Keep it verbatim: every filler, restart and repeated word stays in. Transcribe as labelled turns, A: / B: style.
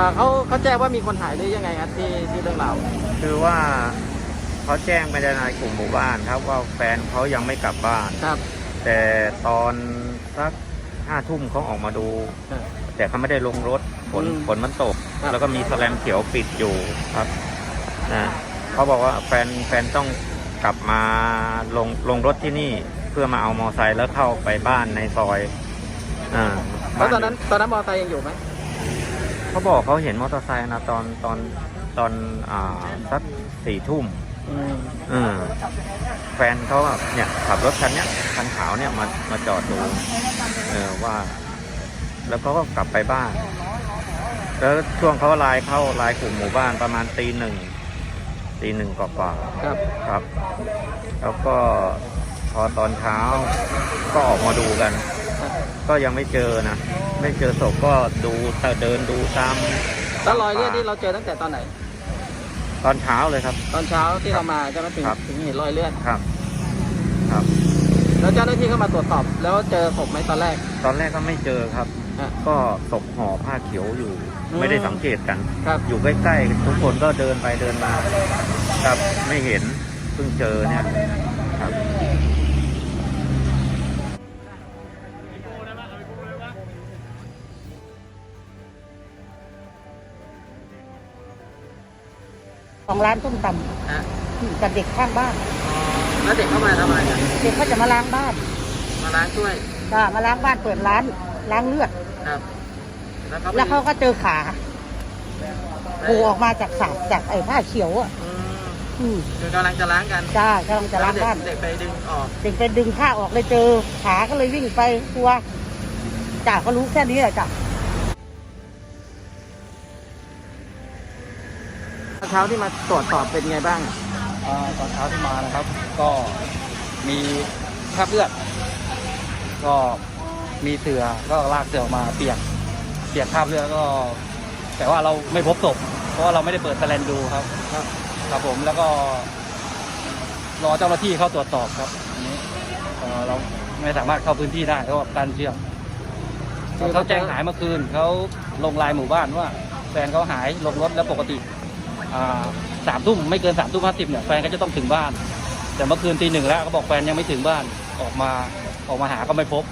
A: เขาเขาแจ้งว่ามีคนหายหรือยังไงครับที่ที่เรื่องราว
B: คือว่าเขาแจ้งไปในกลุ่มหมู่บ้านครับว่าแฟนเขายังไม่กลับบ้าน
A: ครับ
B: แต่ตอนสักห้าทุ่มเขาออกมาดูแต่เขาไม่ได้ลงรถฝนฝนมันตกแล้วก็มีแสลมเขียวปิดอยู่ครับนะเขาบอกว่าแฟนแฟนต้องกลับมาลงลงรถที่นี่เพื่อมาเอามอไซค์แล้วเข้าไปบ้านในซอยอ่า
A: แล้วตอนนั้นตอนนั้นมอไซค์ยังอยู่ไหม
B: เขาบอกเขาเห็นมอเตอร์ไซค์นะตอนตอนตอนอ่าสักสี่ทุ่มอืมแฟนเขาเนี่ยขับรถคันเนี้ยคันขาวเนี่ยมามาจอดดูเออว่าแล้วเขาก็กลับไปบ้านแล้วช่วงเขาไลน์เข้าไลน์กลุ่มหมู่บ้านประมาณตีหนึ่งตีหนึ่งกว่าๆ
A: ครับ
B: ครับแล้วก็พอตอนเช้าก็ออกมาดูกันก็ยังไม่เจอนะไม่เจอศพก็ดูเดินดูตาม
A: แล้วรอยเลือดที่เราเจอตั้งแต่ตอนไหน
B: ตอนเช้าเลยครับ
A: ตอนเช้าที่เรามาจะมาถึงถึงเห็นรอยเลือด
B: ครับครับ
A: แล้วเจ้าหน้าที่เข้ามาตรวจสอบแล้วเจอศพไหมตอนแรก
B: ตอนแรกก็ไม่เจอครับก็ศพห่อผ้าเขียวอยู่ไม่ได้สังเกตกันอยู่ใกล้ๆทุกคนก็เดินไปเดินมาครับไม่เห็นเพิ่งเจอเนี่ยครับ
C: ของร้านต้มตำกับเด็กข้างบ้าน
A: แล้วเด็กเข้ามาทำอะไรกัน
C: เด็กเขาจะมาล้างบ้าน
A: มาล้างช่วย
C: ก็มาล้างบ้านเปิดร้านล้างเลือด
A: ครับ
C: แล้วเขาก็เจอขาโผล่ออกมาจากสาบจากไอ้ผ้าเขียวอ่ะ
A: คือกำลังจะล้างกัน
C: จ้ากำลังจะล้างบ้าน
A: เด็กไปดึงออก
C: เด็กไปดึงผ้าออกเลยเจอขาก็เลยวิ่งไปตัวจ่าก็รู้แค่นี้แหละจ้ะ
A: เช้าที่มาตรวจสอบเป็นไงบ้าง
D: ตอนเช้าที่มานะครับก็มีคราบเลือดก็มีเสือก็ลากเสือออกมาเปียกเปียกคราบเลือดก็แต่ว่าเราไม่พบศพเพราะว่าเราไม่ได้เปิดแสลนดูครับครับผมแล้วก็รอเจ้าหน้าที่เข้าตรวจสอบครับอันนี้เราไม่สามารถเข้าพื้นที่ได้เพราะการเชื่อมเขาแจ้งหายเมื่อคืนเขาลงไลน์หมู่บ้านว่าแฟนเขาหายลงรถแล้วปกติสามทุ่มไม่เกินสามทุ่มห้าสิบเนี่ยแฟนก็จะต้องถึงบ้านแต่เมื่อคืนตีหนึ่งแล้วเขาบอกแฟนยังไม่ถึงบ้านออกมาออกมาหาก็ไม่พบ